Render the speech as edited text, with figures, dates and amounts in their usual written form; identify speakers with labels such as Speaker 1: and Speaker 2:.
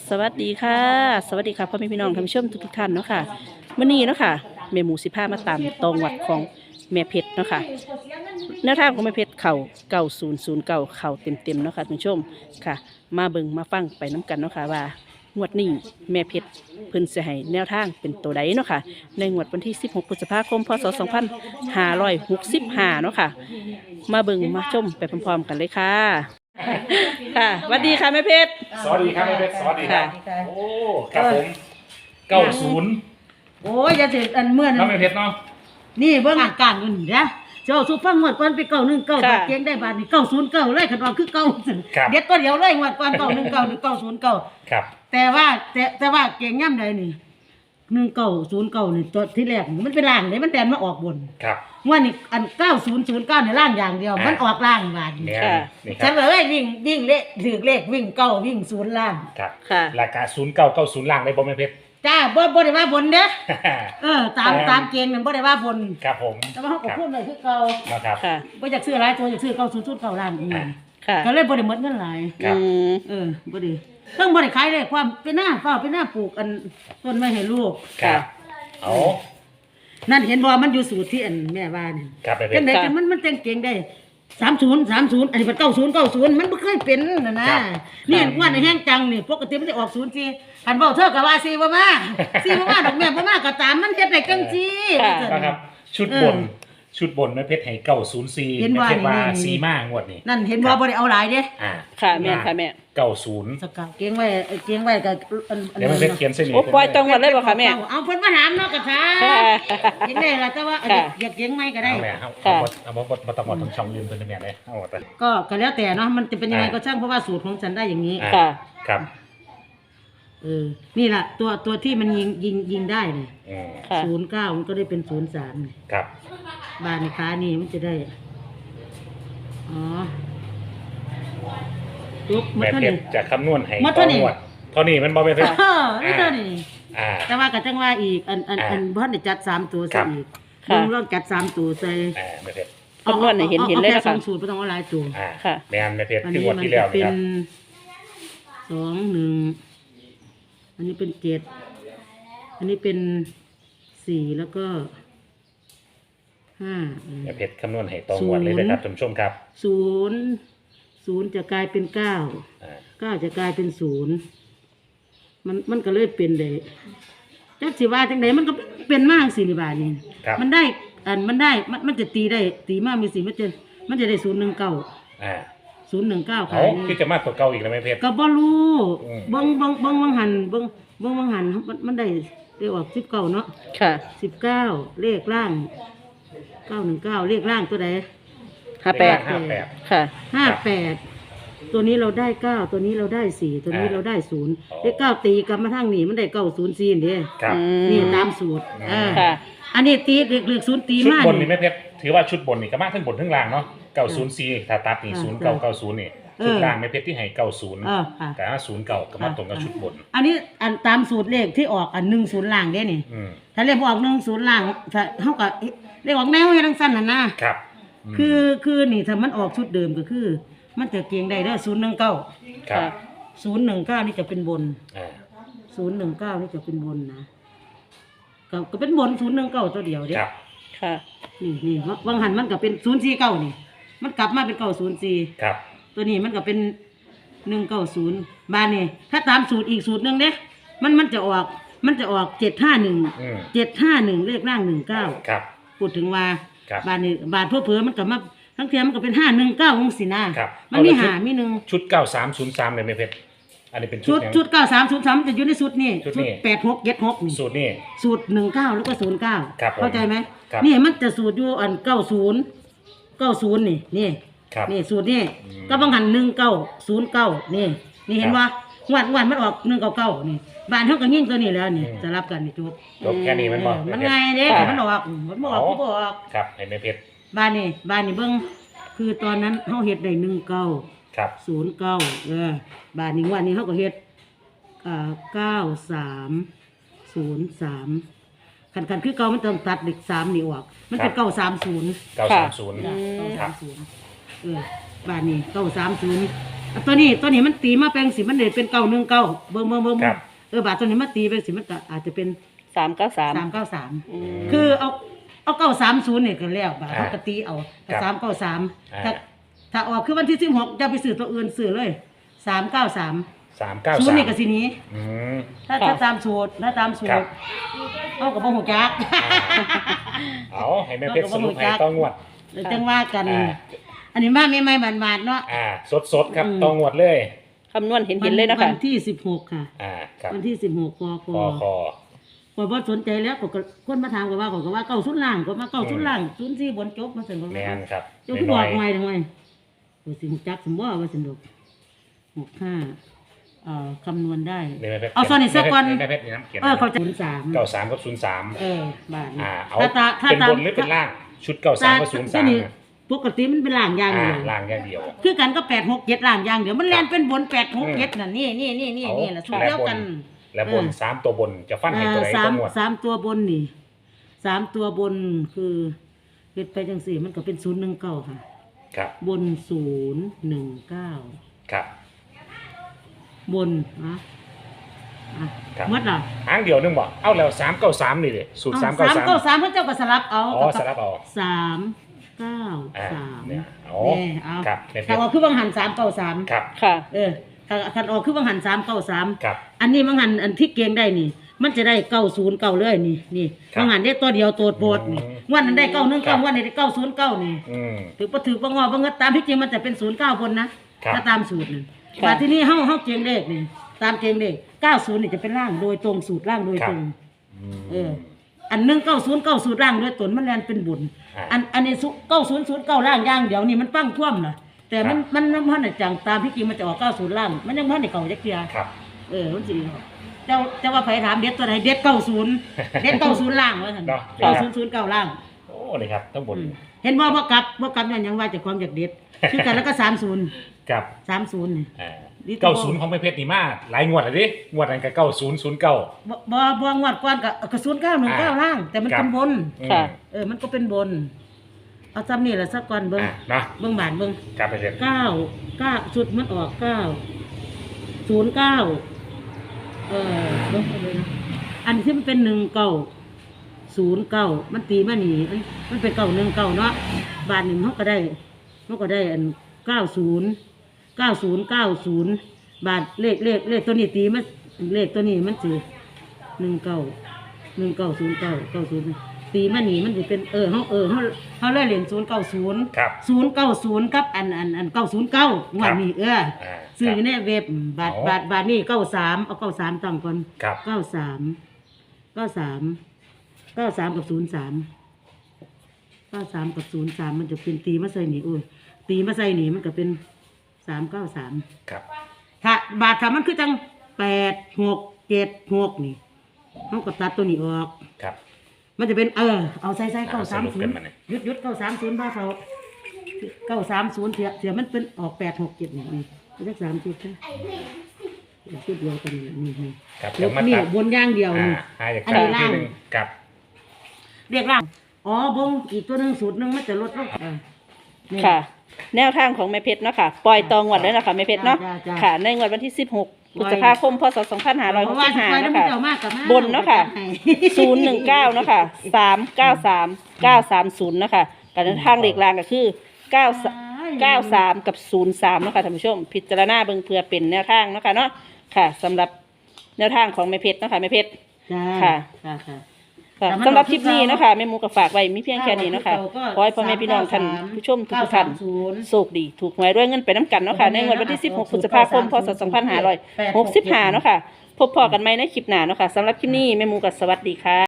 Speaker 1: สวัสดีค่ะสวัสดีค่ะพ่อแม่พี่น้องท่านผู้ชมทุกท่านเนาะค่ะมื้อนี้เนาะค่ะแม่หมู15มาตามตรงวัดของแม่เพชรเนาะค่ะแนวทางของแม่เพชรเข่า9009เข่าเต็มๆเนาะค่ะท่านผู้ชมค่ะมาเบิ่งมาฟังไปน้กันเนาะค่ะว่างวดนี้แม่เพชรเพิ่นสิให้แนวทางเป็นตัวใดเนาะค่ะในงวดวันที่16พฤษภาคมพศ2565เนาะค่ะมาเบิ่งมาชมไปพร้อมๆกันเลยค่ะค่ะสวัสดีค่ะแม่เพชร
Speaker 2: สวัสดีครับแม่เพชรสวัสดีครับ
Speaker 1: ค่ะ
Speaker 2: โอ้ครับผม90
Speaker 3: โอ้ยอย่าเสร็จอันเมื่อ
Speaker 2: น้
Speaker 3: นั้
Speaker 2: อง
Speaker 3: น
Speaker 2: แม่เพชรเนาะ
Speaker 3: นี่เบิ่งอาการอยู่นี่นะเจ้าสุฟังงวดก่อนไป919
Speaker 1: ค่ะ
Speaker 3: บาทเกียงได้บาทนี่909เลยคันว่าคือเก่าเด็ดตัวเดียวเลยงวดก่อน919หรือ909
Speaker 2: ครับ
Speaker 3: แต่ว่าเกียงย่ำใดนี่1909นี่ตัวที่แรกนี่มันเป็นล่างเลยมันแดนมาออกบน
Speaker 2: ครับ
Speaker 3: งวดนี้อัน9009นี่ล่างอย่างเดียวมันออกล่างบาทนี่
Speaker 2: เนี่ย
Speaker 1: ค่ะ
Speaker 2: นี่ค
Speaker 3: ฉั
Speaker 2: รั
Speaker 3: น
Speaker 2: บ
Speaker 3: เลยวิ่งเลขถือเลขวิ่งเก้าวิ่งศูนย์ล่าง
Speaker 2: ครับ
Speaker 1: ค่ะ
Speaker 2: ราคา0990ล่างได้บ่แม่เพชร
Speaker 3: จ้าบ่ได้ว่าบนเด้อตามเกณฑ์มันบ่ได้ว่าบน
Speaker 2: ครับผม
Speaker 3: แต่ว่าเขาก็พูดเลยคือเก่า
Speaker 2: นะครับ
Speaker 1: ค่ะ
Speaker 3: บ่อยากซื้อหลายตัวอยากซื้อ909ล้านอีก
Speaker 1: ค่ะ
Speaker 3: ก็เลยบ่ได้หมดเงินหลาย
Speaker 2: ครับ
Speaker 3: บ่ได้เพิ่งบ่ได้ขายเลยความเป็นหน้าปลูกอันต้นไม้ให้ลูก
Speaker 2: ครับเอา
Speaker 3: นั่นเห็นบ่มันอยู่สูตรที่อันแม่ว่านี่
Speaker 2: ครับแม่เพ
Speaker 3: จั
Speaker 2: ช
Speaker 3: ง
Speaker 2: ร
Speaker 3: ได๋จังมันแต่งเก่งได้30อันนี้เป็น90มันบ่เคยเป็นน่ะนะครับ นี่ว่าในแห้งจังนี่ปกติมันจะออก04คันเว้าเธอก็ว่า4บ่มา4บ่มาดอกแม่บ่มาก็ตามมันเฮ็ดได้จังซี่
Speaker 1: ค่ะ
Speaker 2: นะครับชุดบนแม่เพชรให้904
Speaker 3: เห็น
Speaker 2: แม่
Speaker 3: ว่า
Speaker 2: เพชรว่า
Speaker 3: นี่
Speaker 2: ซีมางวดนี้
Speaker 3: นั่นเห็นบ่บ่ได้เอาหลายเด้
Speaker 2: อ่า
Speaker 1: ค่ะแม่ค่ะแม่
Speaker 2: 90
Speaker 3: สกาวเก่งไว้ก็อัน
Speaker 2: เดี๋ยวแม่เพชรเขียนเส้นนี้
Speaker 1: โอ้ปล่อยจังหวัดเลยบ่คะแม่
Speaker 3: เอาเพิ่นมาถามเนาะก็ถาม
Speaker 1: ค่ะ
Speaker 3: เก่งได้ล่ะแต่ว่า
Speaker 1: ค่ะ
Speaker 3: อยากเก่งไหมก็ได้
Speaker 2: เอาแม่เอา
Speaker 1: ค่ะ
Speaker 2: เอาบ่ต้องหมดทั้งช่องยืนเพิ่นแม่เลยเอาไป
Speaker 3: ก็แล้วแต่เนาะมันจะเป็นยังไงก็ช่างเพราะว่าสูตรของฉันได้อย่างนี้
Speaker 2: อ่า
Speaker 1: ค่ะ
Speaker 2: ครับ
Speaker 3: นี่ล่ะตัวที่มันยิงได้นี่
Speaker 1: ค่ะ
Speaker 3: 09มันก็ได้เป็น03นี่
Speaker 2: ครับ
Speaker 3: บานค้านี่มันจะได้อ๋อลุกมา
Speaker 2: แม่
Speaker 3: เท่า
Speaker 2: เพช
Speaker 3: นี้
Speaker 2: รจะคำนวณให้
Speaker 3: มาเท่านี้
Speaker 2: งวดเท่านี้มันบ่แม่เพชร
Speaker 3: ไม่เท่านี้
Speaker 2: อ่า
Speaker 3: แต่ว่าก็จังว่าอีกอันบ่ทันได้จัด3ตัว
Speaker 2: ครั
Speaker 3: ใส่
Speaker 2: บ
Speaker 3: อีก
Speaker 1: ค่ะ
Speaker 3: ลองจัด3ตัวใส่
Speaker 2: แม่เพชร
Speaker 1: คำนวณให้เห็นเลย
Speaker 3: อา
Speaker 1: นะ
Speaker 3: แค่
Speaker 1: คะ
Speaker 3: 2สูตรบ่ต้องเอาหลายตัว
Speaker 1: ค่ะ
Speaker 2: แม่นแม่เพชร
Speaker 3: อัน
Speaker 2: คือ
Speaker 3: นี้
Speaker 2: งวด
Speaker 3: มัน
Speaker 2: ที่แล้ว
Speaker 3: จะเป็
Speaker 2: นะ
Speaker 3: น
Speaker 2: ครับ
Speaker 3: 2 1อันนี้เป็น7อันนี้เป็น4แล้วก็5
Speaker 2: แม่เพชรคำนวณให้ตรงงวดเลยนะครับท่านผู้ชมครับ
Speaker 3: 0จะกลายเป็น9
Speaker 2: อ่า
Speaker 3: 9จะกลายเป็น0มันก็เลยเป็นได้จักสิว่าจังไดมันก็เป็นมากสินี่บาดนี้
Speaker 2: ครับ
Speaker 3: มันได้มันจะตีได้ตีมากมีสิมันจะได้019
Speaker 2: อ่า
Speaker 3: 019
Speaker 2: เอา
Speaker 3: ขาย
Speaker 2: คือจะมากกว่าเก่าอีกแล้วแม่เพชร
Speaker 3: ก็บ่รู้
Speaker 2: อืม
Speaker 3: เบิ่งวังหันมันได้ออก19เนาะ
Speaker 1: ค่ะ
Speaker 3: 19เลขล่าง919เลขล่างตัวใด
Speaker 1: 58
Speaker 2: 58
Speaker 1: ค่ะ
Speaker 3: 58ตัวนี้เราได้9ตัวนี้เราได้4ตัวนี้เราได้0เลข9ตีกลับมาทางนี้มันได้904นี่
Speaker 2: ครับ
Speaker 3: นี่ตามสูตร
Speaker 1: ค่ะ
Speaker 3: อันนี้ตีเลข0ตี
Speaker 2: ชุด
Speaker 3: มา
Speaker 2: บนนี่แม่เพชรถือว่าชุดบนนี่ก็มากทั้งบนทั้งล่างเนาะ904ถ้าตัดนี่0990นี่ชุดล่างแม่เพชรที่ให้90
Speaker 3: ค่ะ
Speaker 2: แต่ถ้า09ก็มาตรงกับชุดบน
Speaker 3: อันนี้อันตามสูตรเลขที่ออกอัน10ล่างเด้นี่
Speaker 2: อืม
Speaker 3: ถ้าเลขบ่ออก10ล่างถ้าเฮาก็เลขออกแนวให้ทั้งสั้นน่ะนะครับ
Speaker 2: ม
Speaker 3: คือนี่ถ้ามันออกชุดเดิมก็คือ มันจะเกียงได้เด้อ019
Speaker 2: ครับ
Speaker 3: 019นี่จะเป็นบน
Speaker 2: อ่า
Speaker 3: 019นี่จะเป็นบนนะก็เป็นบน019ตัวเดียวเด้
Speaker 2: ครับ
Speaker 1: ค่ะ
Speaker 3: นี่วังหันมันก็เป็น049นี่ มันกลับมาเป็น904
Speaker 2: ครับ
Speaker 3: ตัวนี้มันก็เป็น190บ้านนี่ถ้าตามสูตรอีกสูตรหนึงเด้มันจะออก751 751เลขล่าง19
Speaker 2: ครับ
Speaker 3: พูดถึงว่า
Speaker 2: ครับ
Speaker 3: บ้านนี้บ้านเพื่อมันก็มาทั้งเทียมันก็เป็น519จังซี่นะครับ มันมี
Speaker 2: เอาละ
Speaker 3: หามีหนึ่ง
Speaker 2: ชุด9303เลยแม่เพชรอันนี้เป็นชุ
Speaker 3: ชุ
Speaker 2: ด
Speaker 3: ด
Speaker 2: ยัง
Speaker 3: ชุด9303มันจะอยู่ในสูตรนี่
Speaker 2: ชุด
Speaker 3: ชุ
Speaker 2: นี้
Speaker 3: ด8676นี่
Speaker 2: สูตรนี่
Speaker 3: สูตร19แล้วก็09
Speaker 2: ครับผม
Speaker 3: เข้าใจไหม
Speaker 2: ครับ
Speaker 3: นี่มันจะสูตรอยู่อัน90นี่
Speaker 2: ครับ
Speaker 3: นี่สูตรนี่
Speaker 2: อืม
Speaker 3: ก็บางหัน1909นี่เห็นว่าวันมันออก199นี่บ้านเฮาก็ยิ่งตัวนี้แล้วนี่สลับกันนี่จบ
Speaker 2: จบแค่นี้มันบ่
Speaker 3: มัน
Speaker 2: แเพชร
Speaker 3: ง่ายเด้
Speaker 1: ค่ะ
Speaker 3: มันออกมันบ่ออกก็บ่ออก
Speaker 2: ครับให้แม่เพชร
Speaker 3: บ้านนี่เบิ่งคือตอนนั้นเฮาเฮ็ดได้19
Speaker 2: ครับ
Speaker 3: 09บ้านนี้วันนี้เฮาก็เฮ็ด9303คันคือเก่ามันต้องตัดเลข3นี่ออกมันเป็น930
Speaker 2: 930
Speaker 1: ค่ะ
Speaker 3: จ้ะ930บ้านนี้930 ตัวนี้มันตีมาแปลงสิมันเลยเป็น919เบิ่ง
Speaker 2: ครับ
Speaker 3: บาทตัวนี้มาตีเป็นสิมันก็อาจจะเป็น
Speaker 1: 393
Speaker 3: 393คือเอา930นี่ก็แล้วบาทเขาก็ตีเอา
Speaker 2: ครับ
Speaker 3: 393ถ้าออกคือวันที่16อย่าไปซื้อตัวอื่นซื้อเลย393
Speaker 2: 393
Speaker 3: ศูนย์นี่ก็สิหนี้
Speaker 2: อืม
Speaker 3: ถ้าตามสูตร
Speaker 2: ครับ
Speaker 3: เอาก็บ่ฮู้จัก
Speaker 2: เอาให้แม่เพชรสรุปให้ต้องงวด
Speaker 3: เดี๋ยวจังว่ากัน
Speaker 2: อ่า
Speaker 3: อันนี้มาใหม่ๆหมาดๆเนาะ
Speaker 2: สดครับต้องงวดเลย
Speaker 1: คำนวณเห็นเลยนะคะ
Speaker 3: วันที่16ค่ะ
Speaker 2: ครับ
Speaker 3: วันที่16ก
Speaker 2: คอ
Speaker 3: ก็บ่สนใจแล้วก็คนมาถามก็ว่าเก้าศูนย์ล่างก็มาเก้าศูนย์ล่าง04บนจบมาซั่นก็
Speaker 2: แม่นครับ
Speaker 3: เจ้าคือบอกใหม่ทำไมก็สิฮู้จักสมบ่ว่าซั่นดอก65คำนวณได้
Speaker 2: นี่แม่เพชร
Speaker 3: เอาซ่อนอีกสักก่อน
Speaker 2: แม่เพชรนี่น้ำเขียน
Speaker 3: เขาจะ03
Speaker 2: 93กับ03
Speaker 3: บาทนี่
Speaker 2: เอา
Speaker 3: ถ้า
Speaker 2: เป็น
Speaker 3: ตาม
Speaker 2: บนหรือเป็นล่าง ชุด93กับ03
Speaker 3: ปกติมันเป็นล่างอย่างเดียว
Speaker 2: ล่างอย่างเดียว
Speaker 3: คือกันก็867ล่างอย่างเดียวมันแล่นเป็นบน867น่ะนี่ล่ะสูตรเดียวกัน
Speaker 2: และบน3ตัวบนจะฟันให้ตัวไหนต้องงวด
Speaker 3: สามตัวบนนี่3ตัวบนคือเฮ็ดไปจังซี่มันก็เป็น019ค่ะ
Speaker 2: ครับ
Speaker 3: บน019
Speaker 2: ครับ
Speaker 3: บน
Speaker 2: ครับ
Speaker 3: หมดล่ะ
Speaker 2: หางเดียวนึงบ่เอาแล้ว393นี่ดิสูตร393
Speaker 3: 393เพิ่นเจ้าก็สลับเอา
Speaker 2: สลับเอา
Speaker 3: 393
Speaker 2: เนี่ยเอา
Speaker 3: นี่เอา
Speaker 2: ครับแม่เพ
Speaker 3: ถ้า
Speaker 2: ชร
Speaker 3: ออกคือบังหัน393
Speaker 2: ครับ
Speaker 1: ค่ะ
Speaker 3: ถ้าออกคือบังหัน393
Speaker 2: ครับ
Speaker 3: อันนี้บังหันอันที่เกียงได้นี่ มันจะได้909เลยนี่
Speaker 2: ครับ
Speaker 3: บังหันได้ตัวเดียวตัวโปรดนี่
Speaker 2: อืม
Speaker 3: วันนั้นได้
Speaker 2: ครับ
Speaker 3: 919วันนี้ได้909นี่
Speaker 2: อืม
Speaker 3: ถือบ่ถือบ่งอบ่เงินตามที่จริงมันจะเป็น09บนนะครับ ถ้าตามสูตรนั่น
Speaker 1: ครับ
Speaker 3: แต่ที่นี่เฮาเกียงเลขนี่ตามเกียงเลข90นี่จะเป็นล่างโดยตรงสูตรล่างโดยตรง อัน190สูตรล่างโดยตนมันแลนเป็นบุญ อันนี้9009ล่างอย่างเดียวนี่มันปั้งท่วมน่ะแต่มันมันจังตามที่จริงมันจะออก90ล่าง มันยังบ่ได้เก่าจักเที่ย
Speaker 2: ครับ
Speaker 3: มันสิเจ้าว่าไผถามเด็ดตัวไหนเด็ด90เด็ด90ล่างว่าซั่น
Speaker 2: เนาะ
Speaker 3: 9009ล่าง
Speaker 2: โอ้นี่ครับทั้งบน
Speaker 3: เห็นบ่กลับนั่นยังว่าเจะความอยากเด็ดคือกันแล้วก็30
Speaker 2: กับ
Speaker 3: 30นี่
Speaker 2: 90ของแม่เพชรนี่มาหลายงวดแล้วดิงวดนั้นก็9009
Speaker 3: บ่งวดก่อนก็0919ล่าง แต่มันเป็นบน
Speaker 1: ค่ะ
Speaker 3: มันก็เป็นบน เอาซ้ำนี่ล่ะสักก่อนเบิ่ง
Speaker 2: เนาะ
Speaker 3: เบิ่งบาทเบิ่ง
Speaker 2: ครับแม่เพชร
Speaker 3: 9ชุดมันออก909เบิ่งไปเลยนะอันที่มันเป็น1909มันตีมานี่มันเป็น919เนาะบาทหนึงเฮาก็ได้อัน90 บาทเลขตัวนี้ตีมันเลขตัวนี้มันสิ190990ตีมานี่มันสิเป็นเฮาเลยเล่น090
Speaker 2: ครับ
Speaker 3: 090กับอัน909งวดนี้ซื้ออยู่ในเว็บบาทนี่93เอา93ตั้งก่อน
Speaker 2: ครับ
Speaker 3: 93กับ03 93กับ03มันจะเป็นตีมาใส่นี่ตีมาใส่นี่มันก็เป็น393
Speaker 2: ครับ
Speaker 3: ถ้ามันคือจัง8676นี่เฮาก็ตัดตัวนี้ออก
Speaker 2: ครับ
Speaker 3: มันจะเป็นเอาใส่
Speaker 2: สรุปกันมาเนี่ย
Speaker 3: 930หยุด930บ้าเขา930เสียมันเป็นออก867นี่เลข3จุดนะจุดเดียวกันนี่
Speaker 2: ครับเดี๋ยวมา
Speaker 3: นี่
Speaker 2: ตัด
Speaker 3: บนอย่างเดียวนี่
Speaker 2: จาก
Speaker 3: อันนี้
Speaker 2: ที่
Speaker 3: ล่าง
Speaker 2: หนึงกับ
Speaker 3: เรียกล่างบงอีกตัวหนึงสูตรหนึงมันจะลดลงนี่
Speaker 1: ค่ะ แนวทางของแม่เพชรเนาะค่ะ ปล่อยตองงวดเลยนะคะแม่เพชรเนาะ
Speaker 3: จ้า
Speaker 1: ค่ะ ในงวดวันที่ 16 พฤษภาคม พศ
Speaker 3: เพราะว่าสิไป
Speaker 1: 2565
Speaker 3: แล้ว
Speaker 1: นะ
Speaker 3: มัน
Speaker 1: คะ
Speaker 3: จะเอามากกับมาก
Speaker 1: บนเนาะค่ะ 019เนาะค่ะ393 930เนาะค่ะการทางเลขล่างก็คือ93กับ03เนาะค่ะท่านผู้ชม พิจารณาเบิ่งเพื่อเป็นแนวทางเนาะค่ะเนาะค่ะสำหรับแนวทางของแม่เพชรเนาะค่ะแม่เพชร
Speaker 3: จ้า
Speaker 1: ค่ะ
Speaker 3: ค่ะ
Speaker 1: ค่ะ
Speaker 3: แต่มัน
Speaker 1: สำหรับคลิปนี้เนาะคะแม่หมูก็ฝากไว้มีเพียงแค่นี้เนาะค่ะ
Speaker 3: ก็
Speaker 1: ขอให้พ่อแม่พี่น้องท่านผู้ชมทุกท่าน
Speaker 3: 930
Speaker 1: โชคดีถูกหวยด้วยเงินไปน้ำกันเนาะค่ะในวันที่ 16 พฤษภาคม พศ 2565 เนาะค่ะ พบพอกันไหมในคลิปหน้าเนาะค่ะสำหรับคลิปนี้แม่หมูก็สวัสดีค่ะ